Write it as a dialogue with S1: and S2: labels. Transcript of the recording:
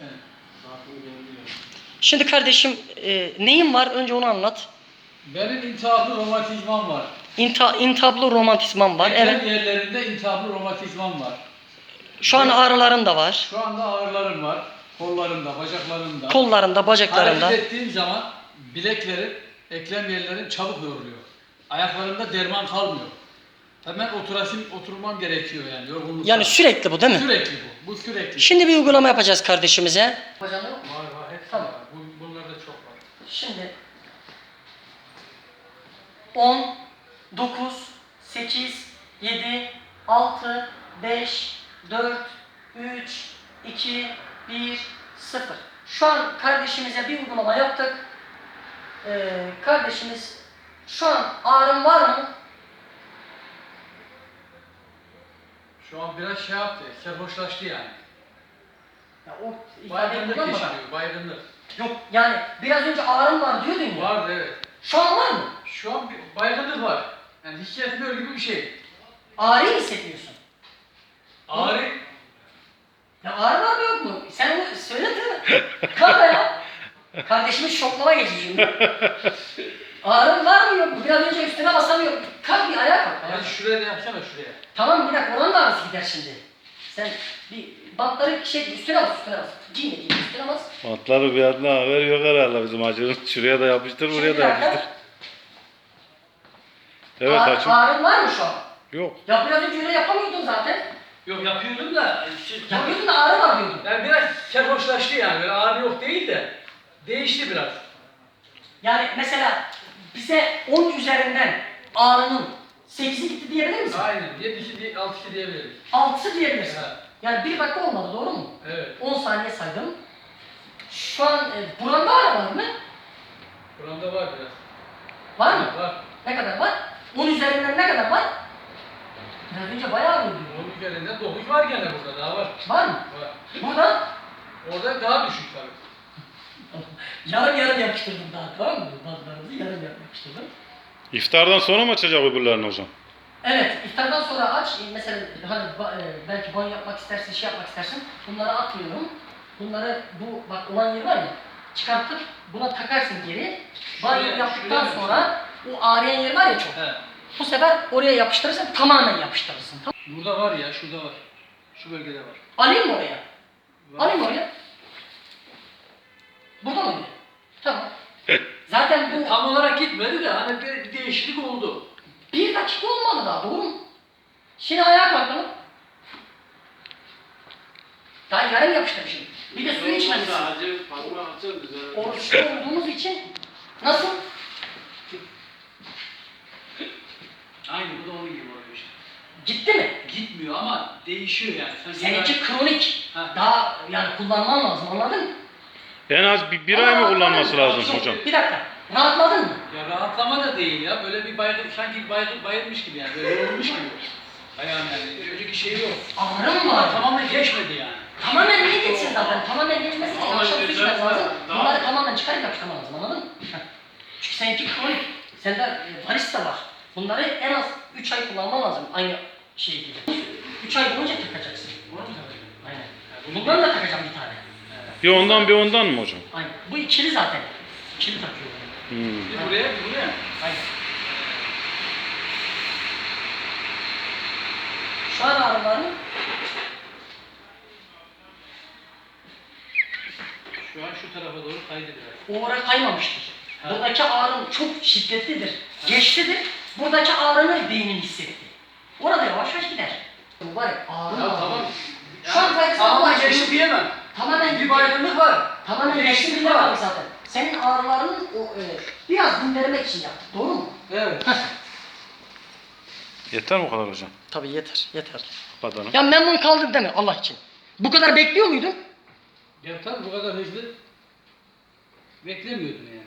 S1: Evet.
S2: Şimdi kardeşim neyin var? Önce onu anlat.
S1: Benim iltihaplı romatizmam var.
S2: İntihaplı romantizmam var.
S1: Eklem
S2: Evet.
S1: yerlerinde iltihaplı romatizmam var.
S2: Şu an ağrıların da var.
S1: Şu anda ağrılarım var. Kollarımda, bacaklarımda.
S2: Kollarında, bacaklarında.
S1: Hareket ettiğim zaman bileklerim, eklem yerlerim çabuk yoruluyor. Ayaklarımda derman kalmıyor. Hemen oturmam gerekiyor yani yorgunluktan.
S2: Yani sürekli bu değil mi?
S1: Sürekli bu. Bu sürekli.
S2: Şimdi bir uygulama yapacağız kardeşimize. Hocam yok mu?
S1: Var. Hepsi
S2: Tamam.
S1: var. Bunlarda çok var.
S2: Şimdi 10, 9, 8, 7, 6, 5, 4, 3, 2, 1, 0. Şu an kardeşimize bir uygulama yaptık. Kardeşimiz şu an ağrım var mı?
S1: Şu an biraz şey yaptı, serhoşlaştı yani.
S2: Ya o
S1: Baygınlık
S2: kullanmadan.
S1: geçiriyor, baygınlık.
S2: Yok yani biraz önce ağrım var diyordun ya.
S1: Vardı evet.
S2: Şu an var mı?
S1: Şu an bir baygınlık var. Yani hissetmiyor gibi bir şey.
S2: Ağrıyı hissetmiyorsun.
S1: Ağrı.
S2: Ya ağrı var mı yok mu? Sen onu söyle değil mi? Kalk ya. Kardeşimiz şoklama geçiyor. Ağrın var mı yok mu? Biraz önce üstüne basamıyor. Kalk bir ayağa kalk.
S1: Hadi şuraya da yapsana şuraya.
S2: Tamam bir dakika oranın da ağrısı gider şimdi. Sen bir bantları üstüne bas. Giyme üstüne bas.
S3: Bantları bir adına haber yok herhalde bizim acının. Şuraya da yapıştır, buraya
S2: Şimdi
S3: da yapıştır. Evet açım.
S2: Ağrın var mı şu an?
S3: Yok.
S2: Ya biraz önce öyle yapamıyordun zaten.
S1: Yok yapıyordum da.
S2: Yapıyordun da ağrı var diyordun.
S1: Yani biraz serhoşlaştı yani. Böyle ağrı yok değil de. Değişti biraz.
S2: Yani mesela bize 10 üzerinden ağrının 8'i gitti diyebilir misin?
S1: Aynen. 7'si 6'sı diyebiliriz.
S2: 6'sı diyebilirsin.
S1: Evet.
S2: Yani 1 dakika olmadı doğru mu?
S1: Evet.
S2: 10 saniye saydım. Şu an buranda ağrı var mı?
S1: Buramda var biraz.
S2: Var mı?
S1: Var.
S2: Ne kadar var? 10 üzerinden ne kadar var? Biraz önce bayağı ağrıyordu.
S1: Onun üzerinden 9 var gene burada daha var.
S2: Var mı?
S1: Var.
S2: Burada
S1: Orada daha düşük tabii.
S2: yarım yapıştırdım daha tamam mı? Bazılarımızı yarım yapıştırdım.
S3: İftardan sonra mı açacak öbürlerini hocam?
S2: Evet, iftardan sonra aç. Mesela hani belki banyo yapmak istersin, şey yapmak istersin. Bunları atmıyorum. Bunları bu bak olan yer var ya, çıkartıp buna takarsın geri. Banyo
S1: Şuraya-
S2: yaptıktan
S1: şuraya
S2: sonra o ağrıyan yer var ya çok.
S1: He.
S2: Bu sefer oraya yapıştırırsan tamamen yapıştırırsın. Tamam.
S1: Burada var ya, şurada var. Şu bölgede var.
S2: Alayım mı oraya?
S1: Var.
S2: Alayım mı oraya? Burada mı? Tamam. Zaten bu
S1: Tam olarak gitmedi de hani bir değişiklik oldu.
S2: 1 dakika olmadı daha doğru mu? Şimdi ayağa kalkalım. Daha yarım yapıştırmışım. Bir de suyu içmemişsin. Oruçlu olduğumuz için nasıl?
S1: Aynı bu da onun gibi oluyor işte.
S2: Gitti mi?
S1: Gitmiyor ama değişiyor yani.
S2: Seninki kronik.
S1: Ha.
S2: Daha yani kullanman lazım anladın mı?
S3: En az bir ay mı kullanması lazım hocam?
S2: Bir dakika. Rahatladın mı?
S1: Ya rahatlama da değil ya. Böyle bir baygın, sanki bayılmış gibi yani. Böyle yorulmuş gibi. Ayağım yani. Önceki şey yok.
S2: Ağrım var.
S1: Ama tamamen geçmedi yani.
S2: Tamamen niye geçsin zaten? Tamamen geçmesi için akşam su içmek lazım. Bunları tamamen çıkarıp yapıştırman lazım anladın mı? Çünkü seninki kronik. Sende varis de var. Bunları en az 3 ay kullanman lazım aynı şey gibi. 3 ay boyunca takacaksın. Aynen. Bundan da takacağım bir tane.
S3: Bir ondan bir ondan mı hocam?
S2: Aynen. Bu ikili zaten. İkili takıyor.
S1: Bir buraya, bir buraya.
S2: Aynen. Şu an ağrıların
S1: Şu an şu tarafa doğru kaydı biraz.
S2: o oraya kaymamıştır.
S1: Ha.
S2: Buradaki ağrın çok şiddetlidir. Geçtidir. Buradaki ağrını beynin hissetti. Orada yavaş yavaş gider. Bu var ya ağrı.
S1: Ya tamam.
S2: Şu an zaten
S1: tamamen
S2: geçti
S1: geçti diyemem.
S2: Tamamen
S1: Bir baygınlık var.
S2: Tamamen geçti bile var zaten. Senin ağrılarının biraz dindirmek için yaptık. Doğru mu?
S1: Evet.
S3: Yeter mi o kadar hocam?
S2: Tabii yeter. Yeter.
S3: Kapatalım.
S2: Ya memnun kaldın değil mi Allah için? Bu kadar bekliyor muydun?
S1: Ya tabii bu kadar hızlı beklemiyordum yani.